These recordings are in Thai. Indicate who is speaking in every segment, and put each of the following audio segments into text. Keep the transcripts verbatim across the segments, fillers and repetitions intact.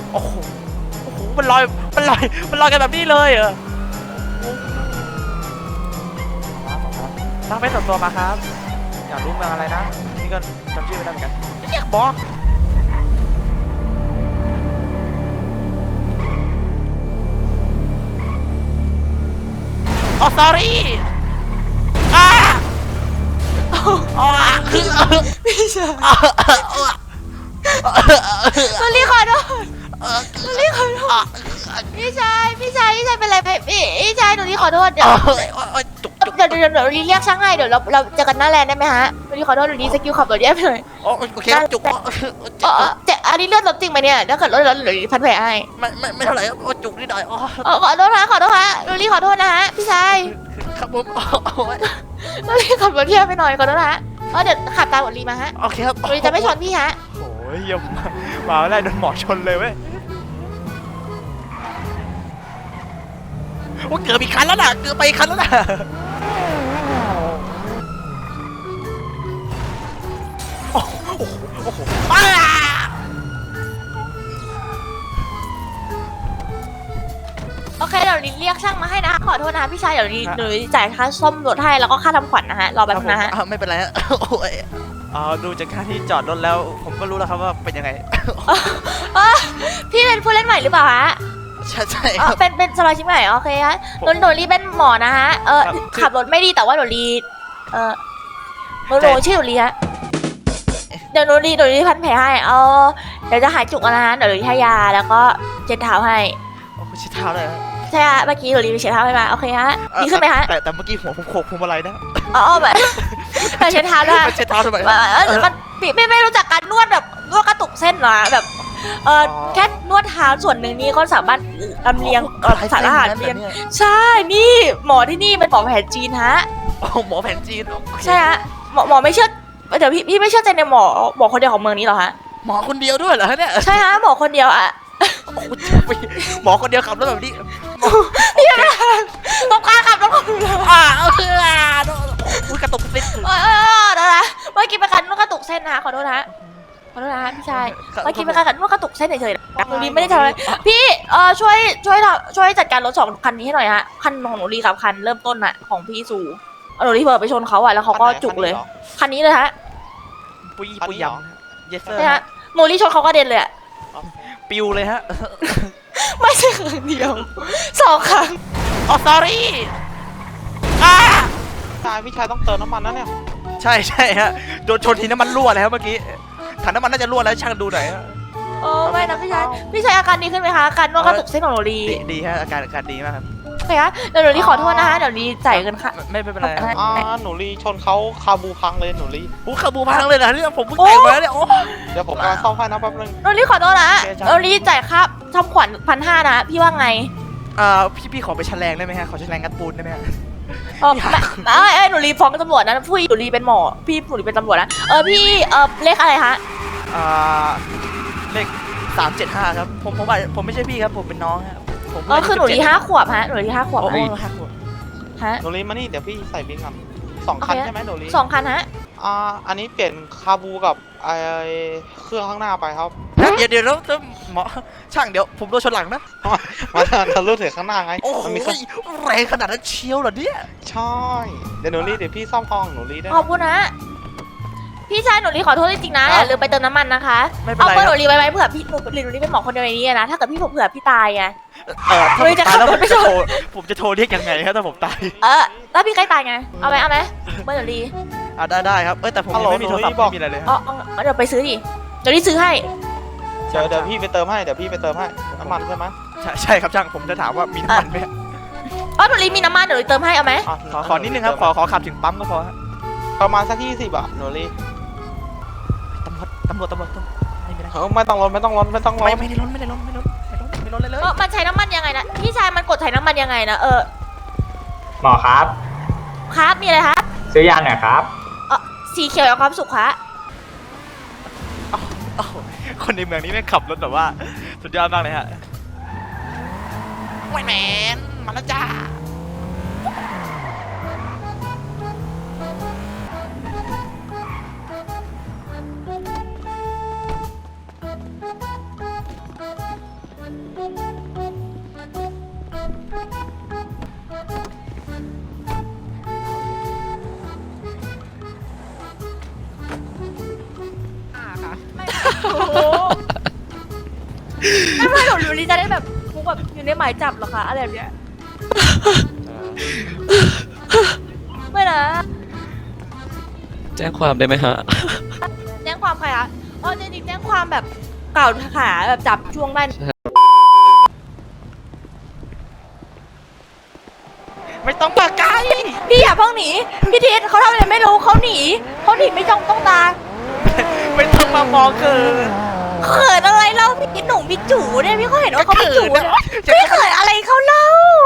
Speaker 1: โอ้โหโอ้โหมันลอยมันลอยมันลอยกันแบบนี้เลยเหรอตั้งเป็นส่วนตัวมาครับอยากรู้เมืองอะไรนะนี่ก็จำชื่อไม่ได้เหมือนกันเรียกบอกอ๋อ sorry อ่าอ๋อคือ
Speaker 2: พี่ชาย
Speaker 1: ตอ
Speaker 2: รี่ขอโทษตอรี่ขอโทษพี่ชายพี่ชายพี่ชายเป็นไรพี่พี่ชายหนูรี่ขอโทษเดี๋ยว
Speaker 1: จุกจุก
Speaker 2: เดี๋ยวเดี๋ยวเดี๋ยวรี่เรียกช่างให้เดี๋ยวเราเราเจอกันหน้าแลนด์ได้ไหมฮะหนูรี่ขอโทษหนูรี่สกิลขับรถแย่ไปหน่อย
Speaker 1: โอเคจุก
Speaker 2: เออเจ๊อันนี้เลือดลดจริงไหมเนี่ยถ้าเกิดลดแล้วหนูรี่พันแผลให้
Speaker 1: ไม่ไม่ไม่เท่าไหร่จุกนิดหน่อยอ๋
Speaker 2: อขอโทษนะขอโทษฮะหนูรี่ขอโทษนะฮะพี่ชาย
Speaker 1: ครับผม
Speaker 2: หนูรี่ขับรถแย่ไปหน่อยขอโทษนะฮะเออเดี๋ยวขับตามหนูรี่มาฮะ
Speaker 1: โอเคครับ
Speaker 2: หนูรี่จะไม่ชนพี่ฮะ
Speaker 1: โอ้ยยังมาแล้วโดนหมอชนเลยเว้ยว่าเกือบอีกคันแล้วนะเกือบไปอีกคันแล้วนะโอ้โหโอ้โห
Speaker 2: โอเคเดี๋ยวนี้เรียกช่างมาให้นะขอโทษนะพี่ชายเดี๋ยวนี้หนูจ่ายค่าซ่อมรถให้แล้วก็ค่าทำขวัญนะฮะรอแป๊บนะฮะ
Speaker 1: ไม่เป็นไรฮะโอ้ยอ๋อดูจากค่าที่จอดรถแล้วผมก็รู้แล้วครับว่าเป็นยังไง
Speaker 2: พี่เป็นผู้เล่นใหม่หรือเปล่าฮะ
Speaker 1: ใช่ใช่
Speaker 2: เป็นเป็นสมาชิกใหม่โอเคฮะหนูหนูรีเป็นหมอนะฮะเออขับรถไม่ดีแต่ว่าหนูรีเออหนูหนูชื่อหนูรีฮะเดี๋ยวหนูรีหนูรีพันแผลให้เออเดี๋ยวจะหายจุกนะฮะเดี๋ยวหนูรีให้ยาแล้วก็เช็ดเท้าให้
Speaker 1: โอ้เช็ดเท้าเลย
Speaker 2: ใช่ฮะเมื่อกี้หนูรีไปเช็ดเท้าให้มาโอเคฮะดีขึ้นไหมฮะ
Speaker 1: แต่แต่เมื่อกี้หัวผมโขกพวงมาลัยนะ
Speaker 2: อ๋อแบบเช็ดเท้าด้วย
Speaker 1: เช็ดเท้าทำไม
Speaker 2: มันไม่ไม่รู้จักการนวดแบบนวดกระตุกเส้นหรอแบบเออแค่นวดเท้าส่วนหนึ่งนี้ก็สามารถลำเลียงสารอาหารเลียงใช่นี่หมอที่นี่เป็นหมอแผนจีนฮะ
Speaker 1: หมอแผนจีน
Speaker 2: ใช่ฮะหมอหมอไม่เชื่อเดี๋ยวพี่พี่ไม่เชื่อใจในหมอหมอคนเดียวของเมืองนี้หรอฮะ
Speaker 1: หมอคนเดียวด้วยเหรอเนี่ย
Speaker 2: ใช่ฮะหมอคนเดียวอะ
Speaker 1: หมอคนเดียวขับรถแบบนี้
Speaker 2: พี่ไม่ต้องการขับรถคนเดียว
Speaker 1: อ่าเอออุ้ยกระตุกเส้น
Speaker 2: เออเดี๋ยวนะเมื่อกี้เป็นการนวดกระตุกเส้นนะขอโทษนะขอโทษนะพี่ชายเมื่อกี้เป็นการนวดกระตุกเส้นเฉยๆนะหนูรีไม่ได้ทำอะไรพี่เออช่วยช่วยช่วยจัดการรถสองคันนี้ให้หน่อยฮะคันของหนูรีกับคันเริ่มต้นอะของพี่สูหนูรีเปิดไปชนเขาอะแล้วเขาก็จุกเลยคันนี้เลยฮะ
Speaker 1: ปุยปุยยำเยสเซอร์
Speaker 2: ฮะหนูรีชนเขาก็เด็นเลยอะ
Speaker 1: ปิวเลยฮะ
Speaker 2: ไม่ใช่ครั้งเดียวสองครั้ง
Speaker 1: อ๋อ sorry อ่า
Speaker 3: ชายพี่ชายต้องเติมน้ำมันนะเนี่ย
Speaker 1: ใช่ใช่ฮะโดนชนทีน้ำมันรั่วเลยครับเมื่อกี้ถังน้ำมันน่าจะรั่วแล้วช่างดูหน่อย
Speaker 2: โอ้ไม่นะพี่ชายพี่ชายอาการดีขึ้นไหมคะอาการนวดกระตุกเส้นของหนูดี
Speaker 1: ดีฮะอาการอาการดีมากครับ
Speaker 2: โอเคฮะเดี๋ยวหนูรีขอโทษนะฮะเดี๋ยวรีจ่ายเงินค่ะ
Speaker 1: ไม่ไม่เป็นไร
Speaker 3: อ่าหนูรีชนเขาคาบูพังเลยหนูรี
Speaker 1: โอ้คาบูพังเลยนะเนี่ยผมเพิ่งแต่งมาเนี่ยโอ้
Speaker 3: เดี๋ยวผมกำลังซ่อมให้นะแป๊บนึง
Speaker 2: หนูรีขอโทษนะหนูรีจ่ายค่าทำขวัญพันห้านะพี่ว่าไง
Speaker 1: อ่าพี่พี่ขอไปแฉลงได้ไหมฮะขอแฉลงกันปูนได้ไหมฮะ
Speaker 2: เออไอ้หนูรีฟ้องตำรวจนะพี่หนูรีเป็นหมอพี่หนูรีเป็นตำรวจนะเออพี่เออเลขอะไรฮะ
Speaker 1: อ่าเลขสามเจ็ดห้าครับผมผมผมไม่ใช่พี่ครับผมเป็นน้องครับผม
Speaker 2: เออคือหนูรีห้าขวบฮะหนูรีห้าขวบ
Speaker 1: โอ้ห้าขวบ
Speaker 2: ฮะ
Speaker 3: หนูรีมานี่เดี๋ยวพี่ใส่บินก่อนสองคันใช่ไหมหนูรี
Speaker 2: สองคันฮะ
Speaker 3: อ่าอันนี้เปลี่ยนคาบูกับไอเครื่องข้างหน้าไปครับ
Speaker 1: เดี๋ยวเดี๋ยวแล้วหมอช่างเดี๋ยวผมโดนชนหลังนะ
Speaker 3: มาทะลุถึงข้างหน้าไง
Speaker 1: โอ้ยแรงขนาดนั้นเชียวเหรอเนี่ย
Speaker 3: ใช่เดี๋ยวหนูรีเดี๋ยวพี่ซ่อมห้องหนูรีได้
Speaker 2: ขอบคุณนะพี่ชายหนูรีขอโทษจริงๆนะอย่าลืมไปเติมน้ำมันนะคะ
Speaker 1: เอา
Speaker 2: เพื่อหนูรีไว้ไว้เผื่อพี่หนูรีหนูรีเป็นหมอคนเดียวในนี้นะถ้าเกิดพี่ผมเผื่อพี่ตายไง
Speaker 1: เออถ้าผมตายแล้วผมจะโทรผมจะโทรเรียกยังไงครับถ้าผมตาย
Speaker 2: เออแล้วพี่ใกล้ตายไงเอาไหมเอาไหมเบอร์หนูรี
Speaker 1: อ่าได้ได้ครับเออแต่ผมไม่มีโทรศัพท์ไม่มีอะไรเลย
Speaker 2: อ๋อเดี๋ยวไปซื้อดิเดี๋ยวรีซื้อให้
Speaker 3: เดี๋ยวเดี๋ยวพี่ไปเติมให้เดี๋ยวพี่ไปเติมให้น้ำมันใช่ไหม
Speaker 1: ใช่ใช่ครับช่างผมจะถามว่ามีน้ำมันไหม
Speaker 2: อ๋อหนูรีมีน้ำมันเดี๋ยวเติมให้เอาไหม
Speaker 1: ขอขอนิดนึงครับขอขอขับถึงปั๊มก็พอ
Speaker 3: ประมาณสักยี่สิบอ่ะหนูรี
Speaker 1: ตำรวจตำรวจตำรวจไม่
Speaker 3: ได้ไม่ต้องล้นไม่ต้องล้นไม่ต้องล้น
Speaker 1: ไม่ไม่ได้ล้นไม่ได้ล้นไม่ล้นไม่ล้นไม่ล้นเลยเลย
Speaker 2: มันใช้น้ำมันยังไงนะพี่ชายมันกดใช้น้ำมันยังไงนะเออ
Speaker 4: หมอครับ
Speaker 2: ครับมีอะไรครับ
Speaker 4: ซื้อยาหน่อยครับ
Speaker 2: เออสีเขียวกับความสุขคะ
Speaker 1: คนในเมืองนี้ไม่ขับรถแบบว่าสุดยอดมากเลยฮะแมนมาแล้วจ้า
Speaker 2: ไม่ไม่หนูหนูลีจะได้แบบคุกแบบอยู่ในหมายจับเหรอคะอะไรแบบเนี้ยไม่นะ
Speaker 5: แจ้งความได้ไหมฮะ
Speaker 2: แจ้งความใครคะอ๋อจริงๆแจ้งความแบบกล่าวขาแบบจับช่วงได้
Speaker 1: ไม่ต้องปากไกล
Speaker 2: พี่อย่าเพิ่งหนีพี่ทิศเขาทำอะไรไม่รู้เขาหนีเขาหนีไม่จ้องต้องตา
Speaker 1: ไม่ต้องมามองเกิน
Speaker 2: เขินอะไรเล่าพี่ทิศหนุ่มพี่จูเนี่ยพี่เขาเห็นว่าเขาเป็นจูเนี่ยพี่เขินอะไรเขาเล่า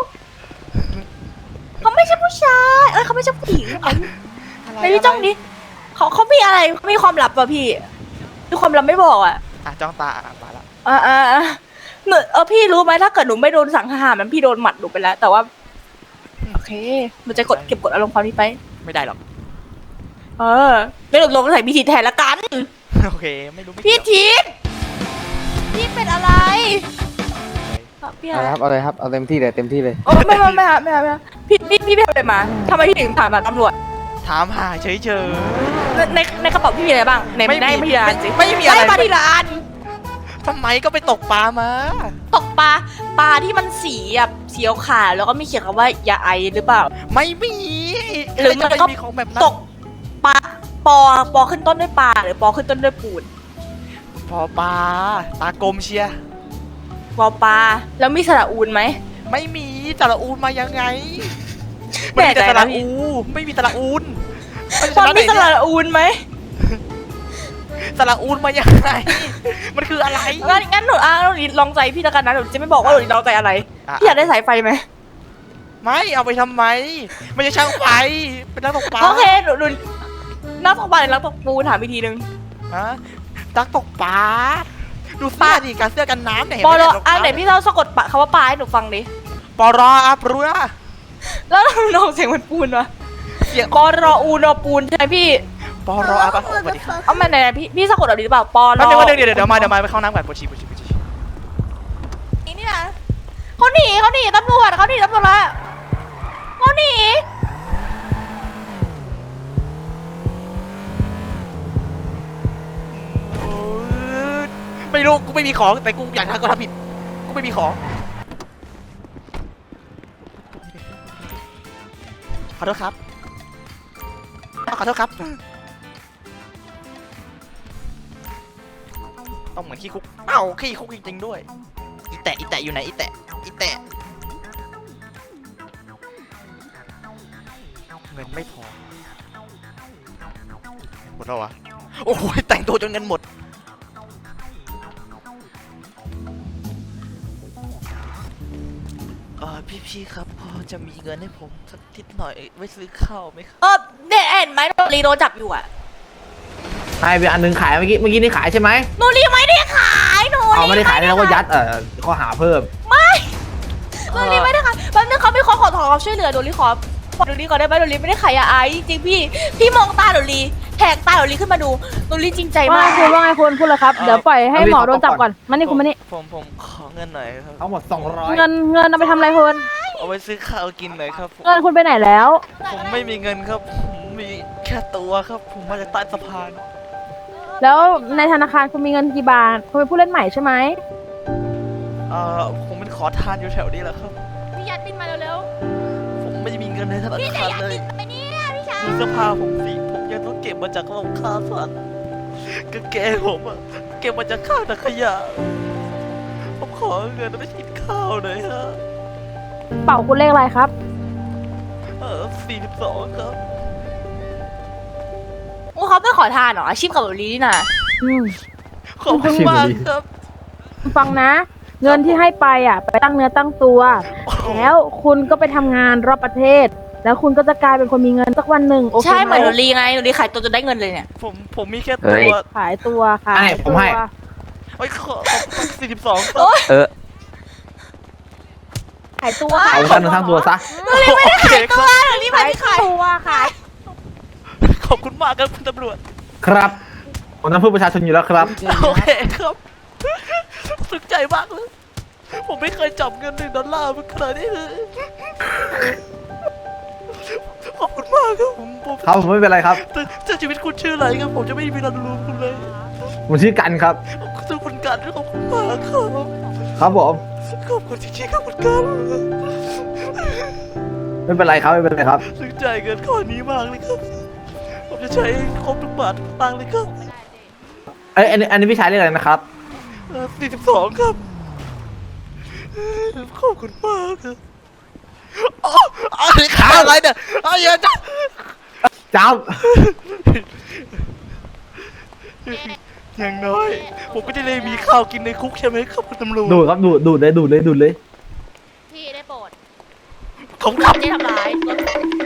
Speaker 2: เขาไม่ใช่ผู้ชายเอ้ยเขาไม่ใช่ผู้หญิงไม่พี่จ้องดิเขาเขามีอะไรเขามีความลับป่ะพี่มีความลับไม่บอกอ่ะ
Speaker 1: อ่ะจ้องตาอ่ะมาละ
Speaker 2: อ่าอ่าอ่าหนูเออพี่รู้ไหมถ้าเกิดหนูไม่โดนสังหารมันพี่โดนหมัดหนูไปแล้ว แต่ว่าโอเคหนูจะกดเก็บกดอารมณ์ความนี้ไป
Speaker 1: ไม่ได้หรอก
Speaker 2: เออไม่หลุดลงใส่พี่ทิศแทนละกัน
Speaker 1: โอเคไม่รู้ไม่
Speaker 2: พี่
Speaker 1: เกี่ยว
Speaker 2: ทิศพี่เป็นอะไรครับพี่
Speaker 6: เอา
Speaker 2: อะ
Speaker 6: เลยครับเอาเลยครับเอาเต็มที่เลยเต็มที่เลย
Speaker 2: โอ้ไม่ไม่ไม่ไม่ไม่ไม่พี่พี่พี่ไปทำอะไรมาทำไมพี่ถึงผ่านมาตำรวจ
Speaker 1: ถามหาเฉย
Speaker 2: ในในในกระเป๋าพี่มีอะไรบ้างใน
Speaker 1: ไม่มี
Speaker 2: ได้มาทีละอันสิ
Speaker 1: ไม่มีอะไร
Speaker 2: ได้มาทีละอัน
Speaker 1: ๆทำไมก็ไปตกปลามา
Speaker 2: ตกปลาปลาที่มันสีแบบสีขาวแล้วก็มีเขียนคำว่าอย่าไอหรือเปล่า
Speaker 1: ไม่มี
Speaker 2: หรือมันก็
Speaker 1: ใคจะไปมีของแบบนั้น
Speaker 2: ตกปลาปอปอขึ้นต้นด้วยปลาหรือปอขึ้นต้นด้วยปูน
Speaker 1: พอปลาตากลมเชียร์
Speaker 2: ปอปลาแล้วมีสระอูนไหม
Speaker 1: ไม่มีสระอูนมายังไง
Speaker 2: แปล
Speaker 1: ไม่มี
Speaker 2: กใจ
Speaker 1: แต่ส
Speaker 2: นะ
Speaker 1: ระ
Speaker 2: พี่
Speaker 1: อูไม่มีสระอูน
Speaker 2: มันมีสระอูนไหม
Speaker 1: สระอูนมายังไง มันคืออะไร
Speaker 2: งั้นงั้นหนูอ่ะหนูลองใจพี่แล้วกันนะหนูจะไม่บอกว่าหนูลองใจอะไร
Speaker 1: อ่ะ
Speaker 2: พี่อยากได้สายไฟไหม
Speaker 1: ไม่เอาไปทำไมไม่ใช่ช่างไฟเป็นนักตกปลา
Speaker 2: โอเคหนูหนูนักตกปลาหรือนักตกปูถามอีกทีนึง
Speaker 1: ฮะนักตกปลาดูเสื้อดิการเสื้อกันน้ำเนี่ยเห็น
Speaker 2: ปอ
Speaker 1: ไหม
Speaker 2: รอ
Speaker 1: ตกป
Speaker 2: อ่ะ
Speaker 1: ลา
Speaker 2: ไหนพี่เล่าสะกดปะคำว่าปลาให้หนูฟังดิ
Speaker 1: ปอรออาปรุนะ
Speaker 2: แล้วน้องเสียงเหมันปูนวะ
Speaker 1: เสียง
Speaker 2: ปอรออูนอปูนใช่ไหมพี่
Speaker 1: ปอรออาปรุสวัสดีครับ
Speaker 2: เอามาไหนๆพี่พี่สะกดแบบนี้หรือเปล่าปอร
Speaker 1: แป๊บ
Speaker 2: อ
Speaker 1: นึงว่าเดี๋ยวเดี๋ยวเดี๋ยวมาเดี๋ยวมาไปเข้าน้ำก่อนปวดฉี่ปวดฉี่ปวดฉี่
Speaker 2: นี่นี่นะเขาหนีเขาหนีตำรวจเขาหนีตำรวจแล้วเขาหนี
Speaker 1: โอ๊ยไม่รู้กูไม่มีของแต่กูอยากทำก็ทำผิดกูไม่มีของขอโทษครับขอโทษครับต้องเหมือนขี้คุกเอ้าขี้คุกจริงๆด้วยอีแตะอีแตะอยู่ไหนอีแตะอีแตะเงินไม่พอหมดแล้ววะโอ้โหแต่งตัวจนเงินหมดเออพี่ๆครับพอจะมีเงินให้ผมสักนิดหน่อยไว้ซื้อข้าวไหมครับ
Speaker 2: เออเนี่ยเห็นไหมโนรีโดนจับอยู่อ่ะ
Speaker 6: ให้ไปอันหนึงขายเมื่อกี้เมื่อกี้นี่ขายใช่ไหม
Speaker 2: โนรีไม่ได้ขายโนรี
Speaker 6: เอาไม่ได้ขายแล้วก็ยัดเออข้อหาเพิ่ม
Speaker 2: โนรีไม่ได้ขายแป๊บนึงเขาไม่ขอขอขอช่วยเหลือโนรีขอโนรีก่อนได้ไหมโนรีไม่ได้ขายยาไอจริงๆพี่พี่มองตาโนรีแหกตาโนรีขึ้นมาดูโนรีจริงใจมา
Speaker 7: ว่าก ไงคุณว่าไงคุณพูดเลยครับ เดี๋ยวปล่อยให้หมอโดนจับก่อนมานี่คุณมานี่
Speaker 1: ผมผมขอเงินหน่อยครับ
Speaker 6: ทั้งหมดสองร้อย
Speaker 7: เงินเงินเอาไปทำอะไรคุณ
Speaker 1: เอาไว้ซื้อข้าวกินหน่อยครับผม
Speaker 7: เงินคุณไปไหนแล้ว
Speaker 1: ผมไม่มีเงินครับผมมีแค่ตัวครับ ผมมาจากใต้สะพาน
Speaker 7: แล้วในธนาคารคุณมีเงินกี่บาทคุณเป็นผู้เล่นใหม่ใช่ไหม
Speaker 1: เอ่อผมเป็นขอทานอยู่แถวนี้แหละครับ
Speaker 2: พี่ยัดบินมาเร็ว
Speaker 1: ผมไม่ได้มีเงินในธนา
Speaker 2: ๆพี่จะ
Speaker 1: คาร
Speaker 2: ยัด
Speaker 1: เลย
Speaker 2: บินไปเนี่ยพี่ชาย
Speaker 1: ดูเสื้อผ้าผมสิผมยังต้องเก็บมาจากโรงฆ่าสัตว์กางเกงผมอะเก็บมาจากข้างถังขยะผมขอเงินไปกินข้าวหน่อยฮะ
Speaker 7: เป่าคุณเลขอะไรครับ
Speaker 1: เออสี่สิบสองครับ
Speaker 2: โอ้เขาไม่ขอทานเหรออาชีพกับโนรีนี่นะ
Speaker 7: อืม
Speaker 1: ขอบคุณมากครับ
Speaker 7: ฟังนะ เงินที่ให้ไปอ่ะ ไปตั้งเนื้อตั้งตัว แล้วคุณก็ไปทำงานรอบประเทศ แล้วคุณก็จะกลายเป็นคนมีเงินสักวันหนึ่งโอเค
Speaker 2: ใช่เห
Speaker 7: ไห
Speaker 2: มื
Speaker 7: ม
Speaker 2: อนโนรีไงโนรีขายตัวจนได้เงินเลยเนี่ย
Speaker 1: ผมผมมีแค่
Speaker 6: เฮ้
Speaker 1: ตั
Speaker 6: ย
Speaker 1: ว
Speaker 7: ขายตัวค่ะ
Speaker 6: ให้ผมให้
Speaker 1: โอ้ยขอสี่สิบสองครับ
Speaker 6: เออ
Speaker 7: ขายตัว
Speaker 6: เอาทั้งหนึ่งทั้งตัวซะ
Speaker 1: โอเคครับ
Speaker 2: โนรีไม่
Speaker 7: ขาย
Speaker 2: ได้ขาย
Speaker 7: ตัวขาย
Speaker 1: ขอบคุณมากครับคุณตำรวจ
Speaker 6: ครับผมต้องพูดประชาชนอยู่แล้วครับ
Speaker 1: โอเคครับสุขใจมากเลย ผมไม่เคยจับเงินหนึ่งดอลลาร์มาขนาดนี้เลยขอบคุณมากครับผมผม
Speaker 6: ครับผมไม่เป็นไรครับ
Speaker 1: แต่แต่ชีวิตคุณชื่ออะไรครับ ผมจะไม่มีเวลาดูคุณเลย
Speaker 6: ผมชื่อกันครับ
Speaker 1: ขอบคุณคุณกันขอบคุณมากครับ
Speaker 6: ครับผม
Speaker 1: ขอบคุณจริงๆครับคุณกัน
Speaker 6: ไม่เป็นไรครับไม่เป็นไรครับ
Speaker 1: ซึ้งใจเงินข้อนี้มากเลยครับ ผมจะใช้ครบทุกบาททุกตังค์เลยครับ
Speaker 6: เอ้ยอันนี้อันนี้พี่ชายเรียกอะไรนะครับ
Speaker 1: สี่สิบสองครับ ขอบคุณมากครับอ๋ออะไรข่าวอะไรเนี่ยเอาเยอะจัง
Speaker 6: จ้าบ
Speaker 1: อย่างน้อย ผมก็จะได้มีข้าวกินในคุกใช่ไหมครับคุณตำรวจ
Speaker 6: ดูดครับดูดดูดเลยดูดเลยดูดเลย
Speaker 2: พี่ได้โปรด
Speaker 1: ผมขับ
Speaker 2: ไม่ได้ทำร้ายรถ